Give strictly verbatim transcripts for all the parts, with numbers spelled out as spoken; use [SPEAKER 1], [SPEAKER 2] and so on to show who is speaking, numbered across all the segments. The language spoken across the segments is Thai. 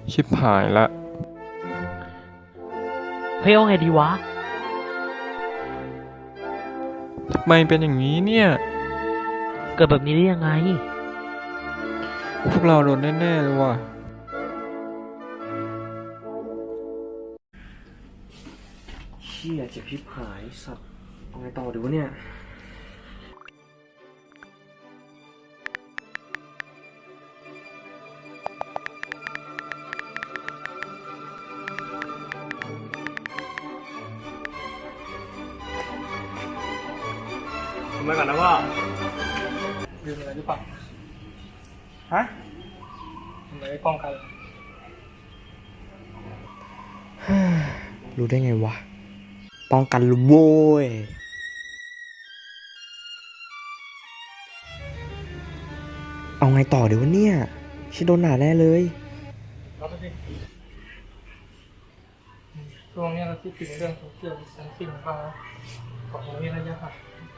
[SPEAKER 1] ชิบหายละ
[SPEAKER 2] เฮ้ยเอาไงดีวะ
[SPEAKER 1] ทำไมเป็นอย่างนี้เนี่ย
[SPEAKER 2] เกิดแบบนี้ได้ยังไง
[SPEAKER 1] พวกเราโดนแน่ๆเลยว่ะ
[SPEAKER 3] เชี่ยเจ็บพิบหายสัตว์เอาไงต่อดีวะเนี่ยทำไมก่อนนะว่า
[SPEAKER 4] ลืมอะไรหรือเปล่า
[SPEAKER 3] ฮะ
[SPEAKER 4] ทำไมไม่ป้องกัน
[SPEAKER 3] รู้ได้ไงวะป้องกันรู้โว้ยเอาไงต่อเดี๋ยววะเนี่ยชิโดนหนาแน่เลย
[SPEAKER 4] รับไปสิช่วงนี้เราคิดถึงเรื่องโซเชียลดิสแทนซิ่งมากนะขอให้ระยะห่าง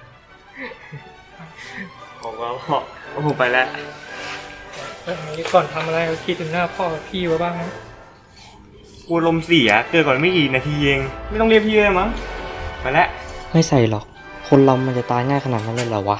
[SPEAKER 3] ผมก็บอกว่าผมไปแล้ว
[SPEAKER 4] แล้วทีนี้ก่อนทำอะไรเราคิดถึงหน้าพ่อกับพี่ไว้บ้างนะ
[SPEAKER 3] กูลมเสียเกิดก่อนไม่กี่นาทีเองไม่ต้องเรียกพี่เลยมั้งไปแล้วไม่ใส่หรอกคนเรามันจะตายง่ายขนาดนั้นเลยเหรอวะ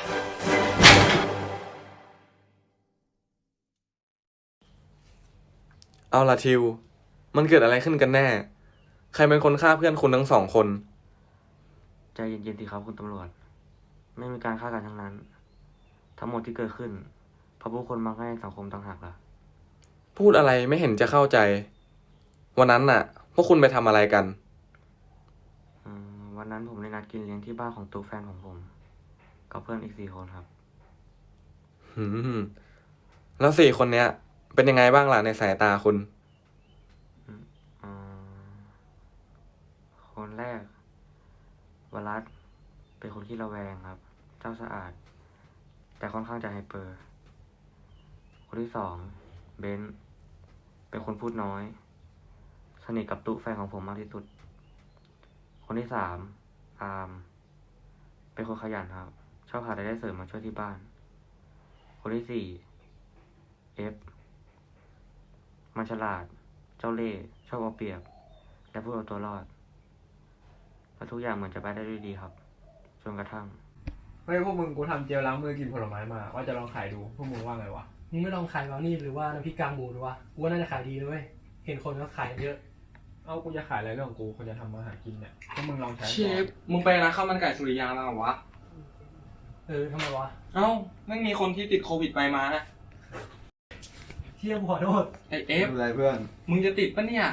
[SPEAKER 1] เอาล่ะทิวมันเกิดอะไรขึ้นกันแน่ใครเป็นคนฆ่าเพื่อนคุณทั้งสองคน
[SPEAKER 3] ใจเย็นๆสิครับคุณตำรวจไม่มีการฆ่ากันทั้งนั้นทั้งหมดที่เกิดขึ้นเพราะผู้คนมักง่ายในสังคมต่างหากล่ะ
[SPEAKER 1] พูดอะไรไม่เห็นจะเข้าใจวันนั้นน่ะพวกคุณไปทำอะไรกัน
[SPEAKER 3] อืมวันนั้นผมได้นัดกินเลี้ยงที่บ้านของตุ๊กแฟนของผมกับเพื่อนอีกสี่คนครับ
[SPEAKER 1] หืมแล้วสี่คนเนี้ยเป็นยังไงบ้างล่ะในสายตาคุณ
[SPEAKER 3] อืมคนแรกวรัตเป็นคนขี้ระแวงครับเจ้าสะอาดแต่ค่อนข้างจะไฮเปอร์คนที่สองเบนซ์เป็นคนพูดน้อยสนิทกับตุ๊แฟนของผมมากที่สุดคนที่สามอาร์มเป็นคนขยันครับชอบหารายได้เสริมมาช่วยที่บ้านคนที่สี่เอฟมันฉลาดเจ้าเล่ห์ชอบเอาเปรียบและพูดเอาตัวรอดและทุกอย่างเหมือนจะไปได้ด้วยดีครับจนกระทั่ง
[SPEAKER 5] เฮ้ยพวกมึงกูทำเจลล้างมือกินผลไม้มาว่าจะลองขายดูพวกมึงว่าไงวะ
[SPEAKER 4] มึงไม่ลองขายบราวนี่หรือว่าน้ำพริกกากหมูหรือวะกูว่าน่าจะขายดีเลยเว้ยเห็นคนเขาขายเยอะ
[SPEAKER 5] เอากูจะขายอะไรเรื่องของกูคนจะทำมาหากินเนี่ยพวกมึงลองใช้
[SPEAKER 1] เชฟมึงไปร้านข้าวมันไก่สุริยามาเหรอวะ
[SPEAKER 4] เออทำไมวะ
[SPEAKER 1] เอ้าไม่มีคนที่ติดโควิดไปมานะ
[SPEAKER 4] เที่ยกูขอโทษ
[SPEAKER 1] ไอเอฟ
[SPEAKER 5] อะไรเพื่อน
[SPEAKER 1] มึงจะติดปะเนี่ย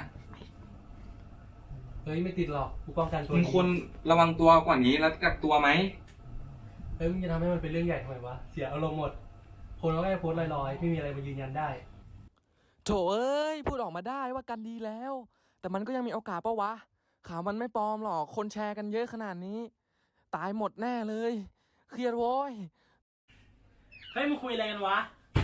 [SPEAKER 4] เฮ้ยไม่ติดหรอกกูป้องกันตัว
[SPEAKER 1] มึงควรระวังตัวกว่านี้แล้วกักตัวไหม
[SPEAKER 4] เฮ้ยมึงจะทำให้มันเป็นเรื่องใหญ่ทำไมวะเสียอารมณ์หมดคนเขาแค่โพสต์ลอยๆไม่มีอะไรมายืนยันได้
[SPEAKER 6] โถเอ้ยพูดออกมาได้ว่ากันดีแล้วแต่มันก็ยังมีโอกาสปะวะข่าวมันไม่ปลอมหรอกคนแชร์กันเยอะขนาดนี้ตายหมดแน่เลยเครียดโว้ย
[SPEAKER 4] เฮ้ยมึงคุยอะไรกันวะ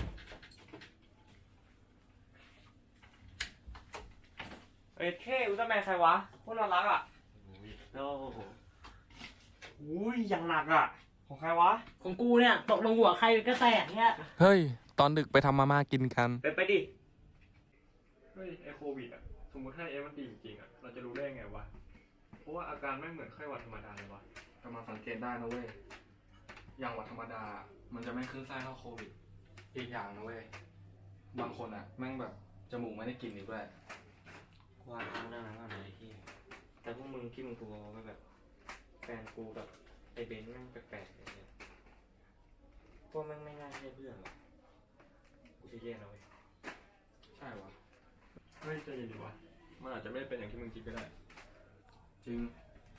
[SPEAKER 3] เอ้ยเท่อุลตร้าแมนใครวะโคตรน่ารักอ่ะโอ้โหอุ้ยอย่างหนักอ่ะของใครวะ
[SPEAKER 2] ของกูเนี่ยตกลงหัวใครก็แตกเนี่ย
[SPEAKER 6] เฮ้ยตอนดึกไปทำมาม่ากินกัน
[SPEAKER 3] ไปไปดิ
[SPEAKER 5] เฮ้ยไอโควิดอ่ะสมมติถ้าเอฟมันตีจริงๆอ่ะเราจะรู้ได้ไงวะเพราะว่าอาการไม่เหมือนไข้หวัดธรรมดาเลยวะ
[SPEAKER 1] กำลังสังเกตได้นะเว้ยอย่างหวัดธรรมดามันจะไม่ขึ้นไส้เท่าโควิดอีกอย่างนะเว้ยบางคนอ่ะแม่งแบบจมูกไม่ได้กลิ่นอีกด้วย
[SPEAKER 3] กูอ่านข้างเรื่องนั้นก่อนเลยที่แต่พวกมึงคิดมึงกูว่าแบบแฟนกูกับไอเบนซ์แม่งแปลกๆเลยพวกแม่งไม่น่าใช่เพื่อนหรอกกูจะแย่นะเว้ย
[SPEAKER 1] ใช่วะ
[SPEAKER 5] เฮ้ยใจเย็นดิวะมันอาจจะไม่ได้เป็นอย่างที่มึงคิดก็ได้
[SPEAKER 1] จริง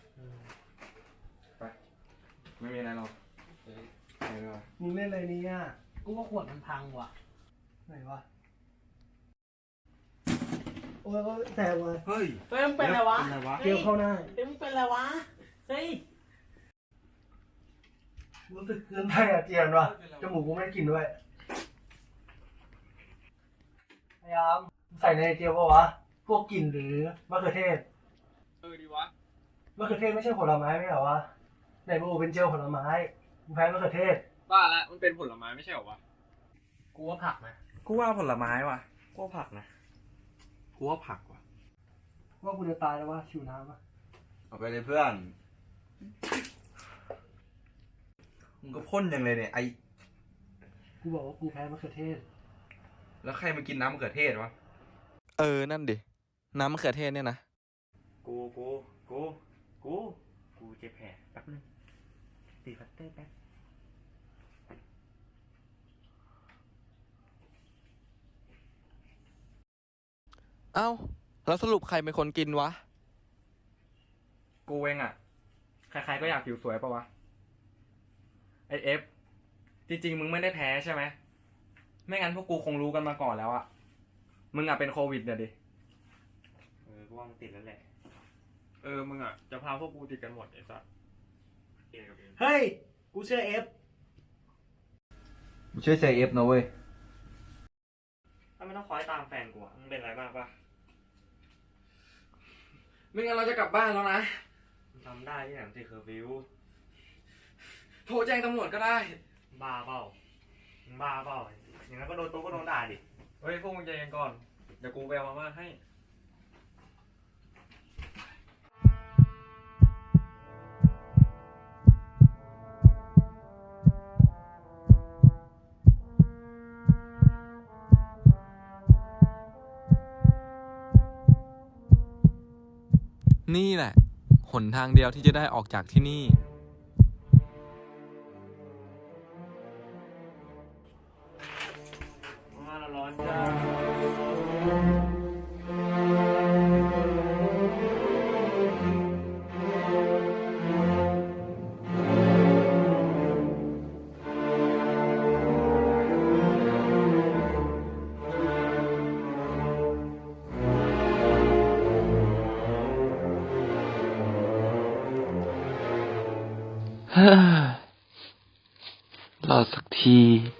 [SPEAKER 1] ไปไม่มีอะไรหรอกไปเลย
[SPEAKER 4] มึงเล่นอะไรเนี่ยกูว่าขวดมันพังว่ะไหนวะโอ้ยแต่วะ
[SPEAKER 1] เฮ้ย
[SPEAKER 2] เฮ้ยมึงเป็นอะไรวะ
[SPEAKER 4] เกี่ยวเข้าหน้า
[SPEAKER 2] เฮ้ยมึงเป็นอะไรวะเฮ้ย
[SPEAKER 4] รู้สึกเกินไปอ่ะเจียนว่ะจมูกกูไม่ได้กลิ่นด้วยพยายามใส่ในเจียวปะวะพวกกลิ่นหรือมะเขือเทศ
[SPEAKER 5] เออดีวะ
[SPEAKER 4] มะเขือเทศไม่ใช่ผลไม้ไม่เหรอวะไหนบอกเป็นเจลผลไม้มึงแพ้มะเขือเทศ
[SPEAKER 5] บ้าละมันเป็นผลไม้ไม่ใช่เหรอวะ
[SPEAKER 4] กูว่าผักนะ
[SPEAKER 3] กูว่าผลไม้ว่ะกูว่าผักนะ
[SPEAKER 1] กูว่าผักว่ะ
[SPEAKER 4] ว่ากูจะตายแล้วว่าชิวน้ำอ่ะ
[SPEAKER 7] เอาไปเลยเพื่อนมึงก็พ่นยังเลยเนี่ยไอ
[SPEAKER 4] กูบอกว่ากูแพ้มะเขือเทศ
[SPEAKER 7] แล้วใครมากินน้ำมะเขือเทศวะ
[SPEAKER 6] เออ นั่นดิ น้ำมะเขือเทศเนี่ยนะ
[SPEAKER 3] กูกูกูกูกูเจ็บแผลแป๊บนึงตีพัตเตอร์แป๊บ
[SPEAKER 6] เอ้า แล้วสรุปใครเป็นคนกินวะ
[SPEAKER 1] กูเองอ่ะ ใครๆก็อยากผิวสวยปะวะ ไอเอฟ จริงๆ มึงไม่ได้แพ้ใช่ไหม ไม่งั้นพวกกูคงรู้กันมาก่อนแล้วอะมึงอะเป็นโควิดเนี่ยดิ
[SPEAKER 3] เออกูว่ามันติดแล้วแหละ
[SPEAKER 5] เออ มึงอ่ะ จะพาพวกกูติดกันหมดไอ้สัสเองกับเอง
[SPEAKER 2] เฮ้ย กูเชื่อเอฟ
[SPEAKER 7] มึงช่วยเซเอฟนะเว้ย
[SPEAKER 3] ถ้าไม่ต้องคอยตามแฟนกูอะมึงเป็นอะไรบ้างปะ
[SPEAKER 1] ไม่งั้นเราจะกลับบ้านแล้วนะ
[SPEAKER 3] มึงทำได้ที่ไหนมันติดเคอร์ฟิว
[SPEAKER 1] โทรแจ้งตำรวจก็ได้
[SPEAKER 3] บ้าเปล่ามึงบ้าเปล่าอย่างนั้นก็โดนโต๊ะก็โดนด่าดิ
[SPEAKER 5] เฮ้ย พวกมึงใจเย็นก่อน เดี๋ยวกูไปเอามาม่าให้
[SPEAKER 6] นี่แหละ หนทางเดียวที่จะได้ออกจากที่นี่
[SPEAKER 3] มาละร้อนจ้า
[SPEAKER 6] รอสักที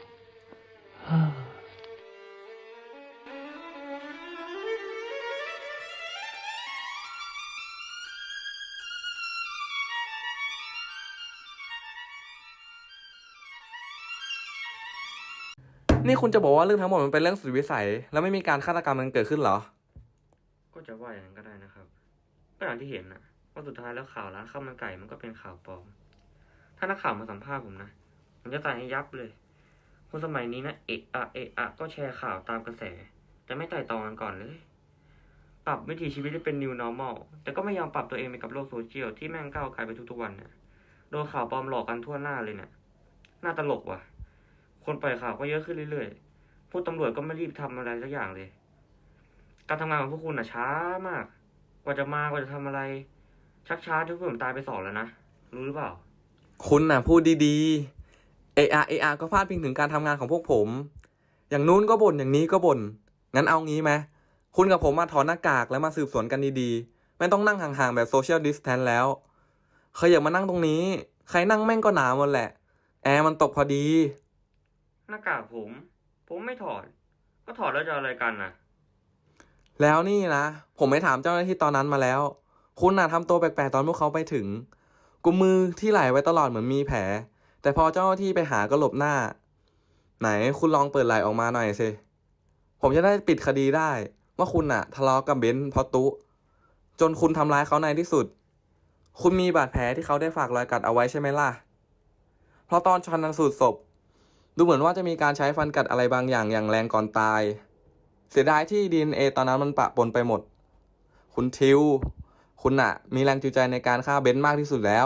[SPEAKER 6] นี่คุณจะบอกว่าเรื่องทั้งหมดมันเป็นเรื่องสุดวิสัย แล้วไม่มีการฆาตกรรมมันเกิดขึ้นเหรอ
[SPEAKER 3] ก็จะว่าอย่างนั้นก็ได้นะครับก็อย่างที่เห็นนะว่าสุดท้ายแล้วข่าวร้านข้าวมันไก่มันก็เป็นข่าวปลอม ถ้านักข่าวมาสัมภาษณ์ผมนะผมจะตายให้ยับเลย คนสมัยนี้นะเอะอะเอะอะก็แชร์ข่าวตามกระแส แต่ไม่ไต่ตองกันก่อนเลย ปรับวิถีชีวิตให้เป็น new normal แต่ก็ไม่ยอมปรับตัวเองไปกับโลกโซเชียลที่แม่งก้าวไกลไปทุกๆวันเนี่ยโดนข่าวปลอมหลอกกันทั่วหน้าเลยเนี่ยน่าตลกว่ะ คนปล่อยข่าวก็เยอะขึ้นเรื่อยๆผู้ตำรวจก็ไม่รีบทำอะไรสักอย่างเลย การทำงานของพวกคุณน่ะช้ามาก กว่าจะมากว่าจะทำอะไร ชักช้าจนผมตายไปสองแล้วนะ รู้หรือเปล่า
[SPEAKER 6] คุณน่ะพูดดีๆ เออาเออาก็พาดพิงถึงการทำงานของพวกผม อย่างนู้นก็บ่นอย่างนี้ก็บ่น งั้นเอางี้ไหม คุณกับผมมาถอดหน้ากากแล้วมาสืบสวนกันดีๆ ไม่ต้องนั่งห่างๆแบบโซเชียลดิสแทนแล้วเคยอยากมานั่งตรงนี้ ใครนั่งแม่งก็หนาวหมดแหละ แอร์มันตกพอดี
[SPEAKER 3] หน้ากากผม ผมไม่ถอด ก็ถอดแล้วจะอะไรกันน่ะ
[SPEAKER 6] แล้วนี่นะ ผมไปถามเจ้าหน้าที่ตอนนั้นมาแล้ว คุณน่ะทำตัวแปลกๆตอนพวกเขาไปถึง กุมมือที่ไหล่ไว้ตลอดเหมือนมีแผล แต่พอเจ้าหน้าที่ไปหาก็หลบหน้า ไหนคุณลองเปิดไหล่ออกมาหน่อยสิ ผมจะได้ปิดคดีได้ ว่าคุณน่ะ ทะเลาะกับเบนซ์เพราะตุจนคุณทำร้ายเขาในที่สุด คุณมีบาดแผลที่เขาได้ฝากรอยกัดเอาไว้ใช่ไหมล่ะ เพราะตอนชันสูตรศพ ดูเหมือนว่าจะมีการใช้ฟันกัดอะไรบางอย่างอย่างแรงก่อนตาย เสียดายที่ ดี เอ็น เอ ตอนนั้นมันปะปนไปหมด คุณทิว คุณน่ะ มีแรงจูงใจในการฆ่าเบนซ์มากที่สุดแล้ว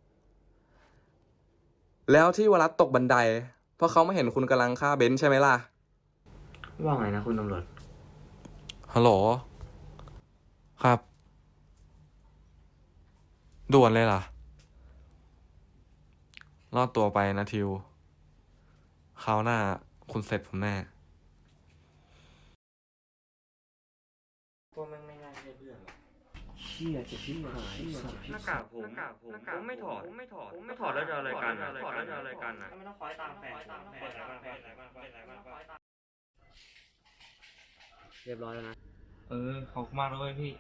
[SPEAKER 6] แล้วที่วรัตตกบันได เพราะเขาไม่เห็นคุณกำลังฆ่าเบนซ์ใช่ไหมล่ะ
[SPEAKER 3] ว่าไงนะคุณตำรวจ
[SPEAKER 6] ฮัลโหล ครับ ด่วนเลยล่ะ รอดตัวไปนะทิว คราวหน้าคุณเสร็จผมแน่
[SPEAKER 3] พวกแม่งไม่น่าใช่เพื่อนหรอก
[SPEAKER 2] เชี่ยจะชิบหาย
[SPEAKER 3] หน้ากากผมหน้ากากผมผมไม่ถอด ผมไม่ถอด ผมไม่ถอดแล้วจะอะไรกันน่ะถอดแล้วจะอะไรกันน่ะไม่ต้องคอยตามแฟนเปิดอะไรบ้างเปิดอะไรบ้างเปิดอะไรบ้างเรียบร้อยแล้วนะ
[SPEAKER 1] เออ ขอบคุณมากเลยพี่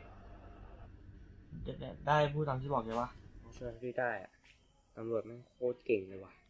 [SPEAKER 3] ได้พูดตามที่บอกใช่ปะช่วยพี่ได้อะตำรวจแม่งโคตรเก่งเลยว่ะ